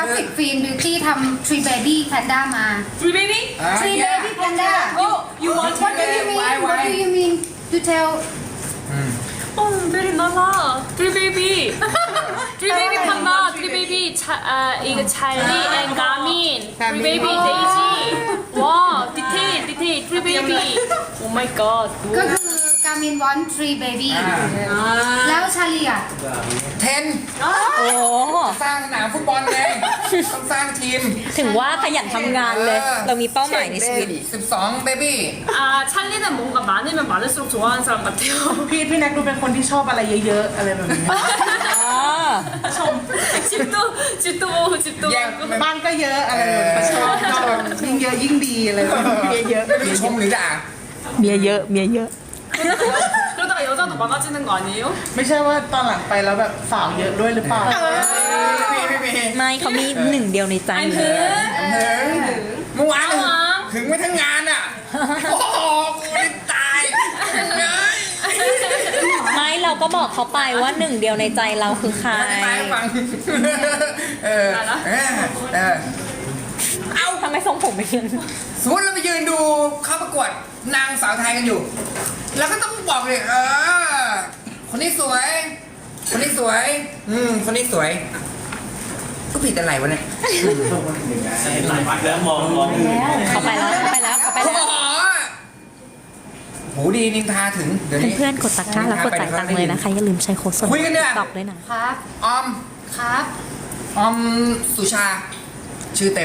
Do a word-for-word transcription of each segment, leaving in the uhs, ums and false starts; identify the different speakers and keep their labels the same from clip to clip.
Speaker 1: ราฟิกฟิล์มบิวตี้ทำ Tree Baby Panda มา
Speaker 2: Three baby?
Speaker 1: Tree Baby Panda
Speaker 2: Oh, you want
Speaker 1: What do you mean
Speaker 3: Why,
Speaker 1: What
Speaker 3: why?
Speaker 1: do you mean to tell
Speaker 2: Oh, very nala. Three baby. Three baby panda. Three baby. 차, 아, 이거 찰리 and 가민. Three baby 데이지. 와, 디테일, 디테일. Three baby. Oh my god.
Speaker 1: ก็คือการมินวอน Tree Baby แล้วชาลีอ่ะ
Speaker 3: เทน
Speaker 4: โอ้
Speaker 3: สร้างสนามฟุตบอลไงต้องสร้างทีม
Speaker 4: ถึงว่าขยันทำงานเลย เรามีเป้าหมายในชีวิต
Speaker 3: สิบสองเบบี้
Speaker 2: 아, 찰리는 뭔가 많으면 많을수록 좋아하는 사람 같아요.
Speaker 5: พี่พี่แน็กดูเป็นคนที่ชอบอะไรเยอะๆอะไรแบบนี้
Speaker 4: อ๋อ
Speaker 2: 집도, 집도 보고, 집도
Speaker 3: แย่ง
Speaker 2: 보고.
Speaker 5: บ้านก็เยอะอะไรแบบนี้ชอบชอบแบบยิ่งเยอะยิ่งดีอะไรแบบนี้เยอะ
Speaker 3: ไม่รู้ชมหรือด่า
Speaker 4: เมียเยอะเมียเยอะ
Speaker 2: 그러다가 여자도 많아지는 거 아니에요?
Speaker 5: ไม่ใช่ว่าตอนหลังไปแล้วแบบสาวเยอะด้วยหรือเปล่า
Speaker 3: พี่พี่พี่
Speaker 4: ไม่เขามีหนึ่งเดียวในใจอยู่แล้ว
Speaker 3: เมื่อวานถึงไม่ทั้งงานอ่ะโอ้โหกูนี่ตายเงย
Speaker 4: ไม่เราก็บอกเขาไปว่าหนึ่งเดียวในใจเราคือใคร
Speaker 3: ตายฟังเออเออเออ
Speaker 4: เอ้าทำไมทรงผมไม่ยืน
Speaker 3: สมมติเราไปยืนดูเข้าประกวดนางสาวไทยกันอยู่ แล้วก็ต้องบอกเลยเออคนนี้สวย คนนี้สวย อืมคนนี้สวย ก็ผิดอะไรวะเนี่ย
Speaker 6: แล้วมองมอง
Speaker 4: เขาไปแล้วเขาไปแล้วเขาไป
Speaker 3: โอ้
Speaker 4: แล้ว
Speaker 3: โหหูดีนินทาถึงเดี๋ยวนี้
Speaker 4: เพื่อนๆกดตะกร้าแล้วกดจ่ายตังค์เลยนะคะอย่าลืมใช้โค้ดส่วน
Speaker 3: คุยกันเนี่ย
Speaker 4: ตอกด้วยนะครับ
Speaker 3: ออม
Speaker 1: ครับ
Speaker 3: ออมสุชา ชื่อเต็ม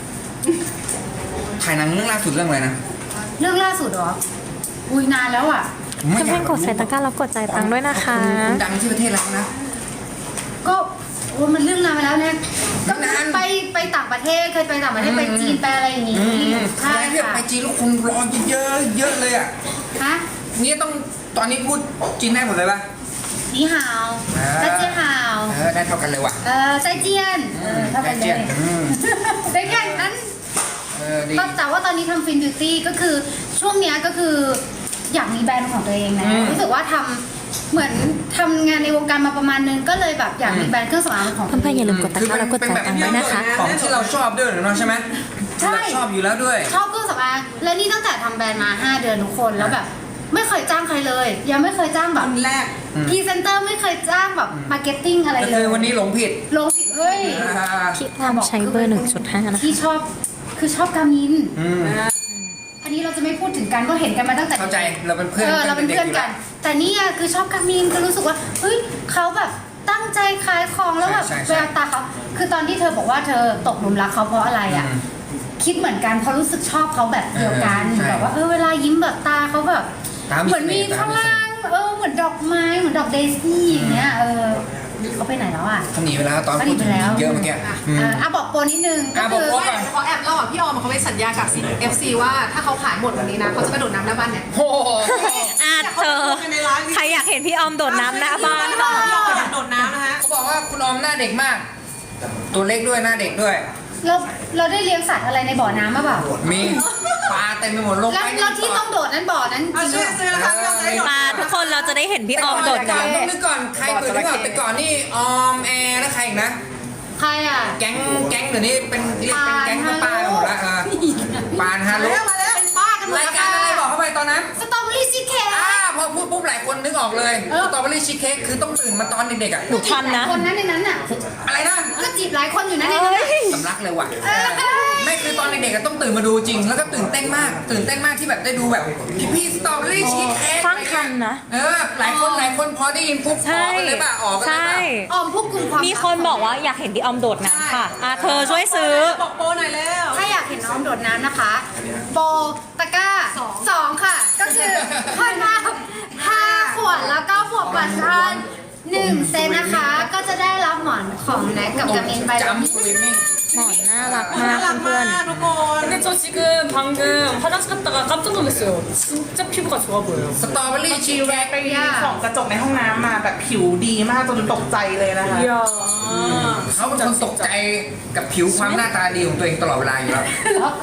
Speaker 3: ถ่ายหนังเรื่องล่าสุดเรื่องอะไรนะ
Speaker 1: เรื่องล่าสุดเหรอ อุ้ยนานแล้วอ่ะ
Speaker 3: ไม่ยา
Speaker 4: เพื่อนๆกดใส่ตะกร้าแล้วกดจ่ายตังค์ด้วยนะคะ
Speaker 3: คุณดังที่ประเทศเรานะ
Speaker 1: ก็โอ้มันเรื่องนานไปแล้วเนี่ยก็
Speaker 3: นาน
Speaker 1: ไปไปต่างประเทศเคยไปต่างประเทศไปจีนไปอะไรอย่างงี้
Speaker 3: อืม
Speaker 1: ใช่
Speaker 3: แล้วที่
Speaker 1: ค่ะ
Speaker 3: ไปจีนแล้วคนรอเยอะเยอะเลยอ่ะ
Speaker 1: ฮะ
Speaker 3: นี่ต้องตอนนี้พูดจีนได้หมดเลยป่ะ
Speaker 1: นี่ฮาว
Speaker 3: อ่า
Speaker 1: 再见好
Speaker 3: เออได้เท่ากันเลยว่ะ
Speaker 1: เออ再见เออเท่ากันเล
Speaker 3: 再见
Speaker 1: ย
Speaker 3: อืม
Speaker 1: ได้แค่นั้น
Speaker 3: เออดี
Speaker 1: ก็แต่ว่าตอนนี้ทำฟินบิวตี้ก็คือช่วงเนี้ยก็คืออยากมีแบรนด์ของตัวเองนะ
Speaker 3: อืม
Speaker 1: รู้สึกว่าทำเหมือนทำงานในวงการมาประมาณนึงก็เลยแบบอยากมีแบรนด์เครื่องสำอางของตัว
Speaker 4: เพื่อนๆอย่าลืมกดตะ
Speaker 3: คือก
Speaker 4: ร้า
Speaker 3: เป็น
Speaker 4: แล้วกด
Speaker 3: เป็น
Speaker 4: จ่าย
Speaker 3: แบบ
Speaker 4: ตังค์ด้วยนะคะ
Speaker 3: ของที่เราชอบด้วยเนาะใช่ไหม
Speaker 1: ใช่
Speaker 3: เราชอบอยู่แล้วด้วย
Speaker 1: ชอบเครื่องสำอางและนี่ตั้งแต่ทำแบรนด์มา ห้า เดือนทุกคนแล้วแบบไม่เคยจ้างใครเลย ยังไม่เคยจ้างแบบ
Speaker 5: คนแรก
Speaker 1: พรีเซนเตอร์ไม่เคยจ้างแบบมาร์เก็ตติ้งอะไร
Speaker 3: ก็
Speaker 1: เล
Speaker 3: คื
Speaker 1: ย
Speaker 3: อวันนี้หลงผิด
Speaker 1: ลงผิดเฮ้ย
Speaker 3: อ่า
Speaker 4: พี่อ้อมใช้เบอร์หนึ่งจุดห้านะคะ
Speaker 1: ที่ชอบคือชอบกามิน
Speaker 3: อืม
Speaker 1: อันนี้เราจะไม่พูดถึงกันเพราะเห็นกันมาตั้งแต่
Speaker 3: เข้าใจเราเป็นเพื่อน
Speaker 1: เออเราเป็นเพื่อนกัน แต่นี่อะคือชอบกามินก็รู้สึกว่าเฮ้ยเขาแบบตั้งใจขายของแล้วแบบแววตาเขาคือตอนที่เธอบอกว่าเธอตกหลุมรักเขาเพราะอะไรอ่ะคิดเหมือนกันเพราะรู้สึกชอบเขาแบบเดียวกันแบบว่าเออเวลายิ้มแบบตาเขาแบบ
Speaker 3: ตาม
Speaker 1: เหมือนมี
Speaker 3: ส
Speaker 1: ข้าง
Speaker 3: ต
Speaker 1: ล่างเออเหมือนดอกไม้เหมือนดอกเดซี่อย่างเงี้ยเออเขาไปไหนแล้วอ่ะ
Speaker 3: เขาหนีไปแล้วตอน
Speaker 1: เขาห
Speaker 3: พู
Speaker 1: นี
Speaker 3: ด
Speaker 1: ไป
Speaker 3: ถึง
Speaker 1: แล้ว
Speaker 3: เยอะเมื่อกี้อืม
Speaker 1: อ่ะอ่ะบอกโปรนิดนึงก็
Speaker 3: อ่ะบ
Speaker 1: คือ
Speaker 3: อกโปรก่อน
Speaker 7: ขอแอบเล่าอ่ะพี่ออมเขาไปสัญญากับ เอฟ ซี ว่าถ้าเขาขายหมดวันนี้นะเขาจะกระโดดน้ำหน้าบ้านเนี่ย
Speaker 3: โอ้โห
Speaker 4: อ่ะเธอ ใครอยากเห็นพี่ออมโดดน้ำหน้าบ้าน
Speaker 7: พี่ออมกระโดดน้ำนะฮะ
Speaker 3: เขาบอกว่าคุณออมหน้าเด็กมาก ตัวเล็กด้วยหน้าเด็กด้วย
Speaker 1: เราเราได้เลี้ยงสัตว์อะไรในบ่อน้ำมาเปล่า
Speaker 3: มีปลาเต็มไปหมดลง
Speaker 1: แล้ว
Speaker 3: ไป
Speaker 1: แล้วที่ต้องโดดนั้นบ่อนั้นจ
Speaker 7: เอา
Speaker 1: ริง
Speaker 7: ชื่
Speaker 1: ห
Speaker 7: อ
Speaker 1: รือเปล่า
Speaker 7: ซื้อนะคะพี่ออมจะได้โดด
Speaker 4: มาทุกคนเราจะได้เห็นพี่ออมโดดน้
Speaker 3: ต้องนึกก่อนใครเปิดนึกก่อนแต่ก่อนนี่ออมแอร์แล้วใครอีกนะ
Speaker 1: ใครอ่ะ
Speaker 3: แก๊งแก๊งเดี๋ยวนี้เป็นเรียกเป็นแก๊งป้าๆกันหมดละเออปานฮารุ
Speaker 7: มาแล้วเป็นบ้ากันหมด
Speaker 3: ราย
Speaker 7: แล้ว
Speaker 3: การ
Speaker 7: ค่ะ
Speaker 3: อะไรบอกเข้าไปตอนนั้น
Speaker 1: สตรอเบอรี่ชีสเค้ก
Speaker 3: อ่าพอพูดปุ๊บหลายคนนึกออกเลยสตรอเบอรี่ชีสเค้กคือต้องตื่นมาตอนเด็กๆอ่ะ
Speaker 4: ำหนูทันนะ
Speaker 1: คนนั้นในนั้นน่ะ
Speaker 3: อะไรนะ
Speaker 1: ก็จีบหลายคนอยู่นะในนั้นน่ะ
Speaker 3: สำลักเลยว่ะไม่คือตอนเด็กๆอะต้องตื่นมาดูจริง แล้วก็ตื่นเต้นมาก ตื่นเต้นมากที่แบบได้ดูแบบพี่พี่สตรอเบอรี่ชีสเค้ก
Speaker 4: ฟังทันนะ
Speaker 3: เออหลายคนหลายคนพอได้ยินปุ๊บอ
Speaker 4: ใช่
Speaker 3: อกกันเลยป่ะออกกันเลย
Speaker 4: ใช่
Speaker 3: ป่ะ
Speaker 1: ออมพวกกลุ่มความ
Speaker 4: มีคนบอกว่าอยากเห็นพี่ออมโดดน้ำค่ะอ่ะเธอช่วยซื้อ
Speaker 7: บอกโปรหน่อยแล้ว
Speaker 1: ถ้าอยากเห็นน้องโดดน้ำนะคะ โปรตะกร้าสองค่ะ ก็คือค่อยมาห้าขวดแล้วก็บวกบัตรทอนหนึ่งเซนนะคะ ก็จะได้รับหมอนของแน็กกับกามินไปแล้ว
Speaker 3: จำสวิมมิ่ง
Speaker 4: หมอนน่ารักมา
Speaker 7: น่าก รัก
Speaker 4: เพื่
Speaker 7: มา
Speaker 4: อน
Speaker 7: กทุกคน
Speaker 2: 근데 저 지금 방금 화장실 갔다가 깜짝 놀랐어요. 진짜 피부가 좋아 보여요.
Speaker 3: สตรอเบอรี่ชีส
Speaker 5: ชีแวะไปส่องกระจกในห้องน้ำมาแบบผิวดีมากจนตกใจเลยนะคะ
Speaker 2: 이야.
Speaker 3: เขาเป็นคนตกใจกับผิวความหน้าตาดีของตัวเองตลอดเวลาอยู่แล้ว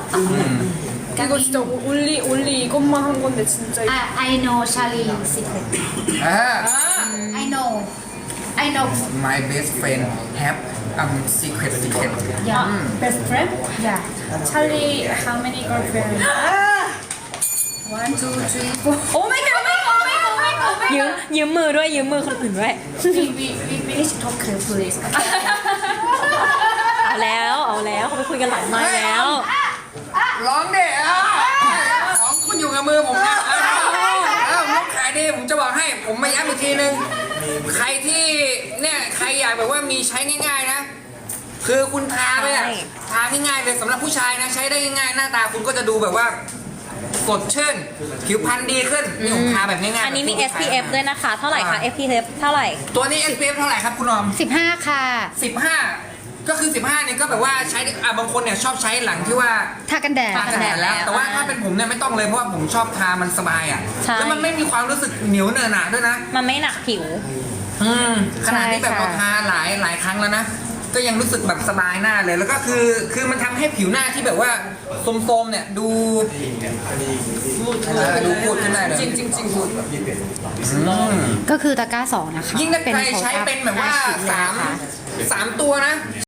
Speaker 2: 이거 진짜 올리 올리 이것만 한 건데 진짜.
Speaker 1: I I know Charlie secret
Speaker 3: อ่า
Speaker 1: I know I know
Speaker 3: my best friend have อ่า secret secret
Speaker 2: Yeah. Best friend? Yeah. Charlie, how many girlfriends?
Speaker 1: one two three four
Speaker 2: Oh my god, oh my god, oh my god, oh my god, oh my
Speaker 4: ยืม
Speaker 2: god.
Speaker 4: ยืมมือด้วยยืมมือคนอื่นด้วย
Speaker 2: We, we, we, we need to talk clear, please.
Speaker 4: เอาแล้วเอาแล้วเขาไปคุยกันหลังไม้แล้ว
Speaker 3: ร้องเด็ของคุณอยู่กับมือผมนะเออผมขายดีผมจะบอกให้ผมมาย้ำอีกทีนึง ใครที่เนี่ยใครอยากแบบว่ามีใช้ง่ายๆนะ คือคุณทาไปอ่ะ
Speaker 4: ใช่
Speaker 3: ทาง่ายๆเลยสำหรับผู้ชายนะ ใช้ได้ง่ายๆหน้าตาคุณก็จะดูแบบว่าสดชื่นผิวพรรณดีขึ้นนี่ผมทาแบบง่ายๆ
Speaker 4: อันนี้มี
Speaker 3: แบบ
Speaker 4: เอส พี เอฟ ด้วยนะคะ เท่าไหร่คะ เอส พี เอฟ เท่าไหร่
Speaker 3: ตัวนี้ เอส พี เอฟ เท่าไหร่ครับคุณออม
Speaker 1: สิบห้าค่ะ
Speaker 3: สิบห้าก็คือสิบห้าเนี่ยก็แบบว่าใช้อ่ะบางคนเนี่ยชอบใช้หลังที่ว่า
Speaker 1: ทากันแดด
Speaker 3: ทากันแดดแล้ว แต่ว่าถ้าเป็นผมเนี่ยไม่ต้องเลยเพราะว่าผมชอบทามันสบายอ่ะ
Speaker 4: ใช่
Speaker 3: แล้วมันไม่มีความรู้สึกเหนียวเนอะหนะด้วยนะ
Speaker 4: มันไม่หนักผิว
Speaker 3: อืมขนาดที่แบบ
Speaker 1: ใช่
Speaker 3: เรา
Speaker 1: ค่ะ
Speaker 3: ทาหลายหลายครั้งแล้วนะ ก็ยังรู้สึกแบบสบายหน้าเลย แล้วก็คือคือมันทำให้ผิวหน้าที่แบบว่าโทรมๆเนี่ยดูเออดูพูดขึ้นได้เลยจริงจริงจริงพูด
Speaker 1: ก็คือตะกร้าสองนะคะ
Speaker 3: ยิ่งถ้าใครใช้เป็นแบบว่า
Speaker 1: โพสต์อัพ
Speaker 3: สาม
Speaker 1: ห้ชิ้นเลยนะคะ
Speaker 3: สามตัวนะ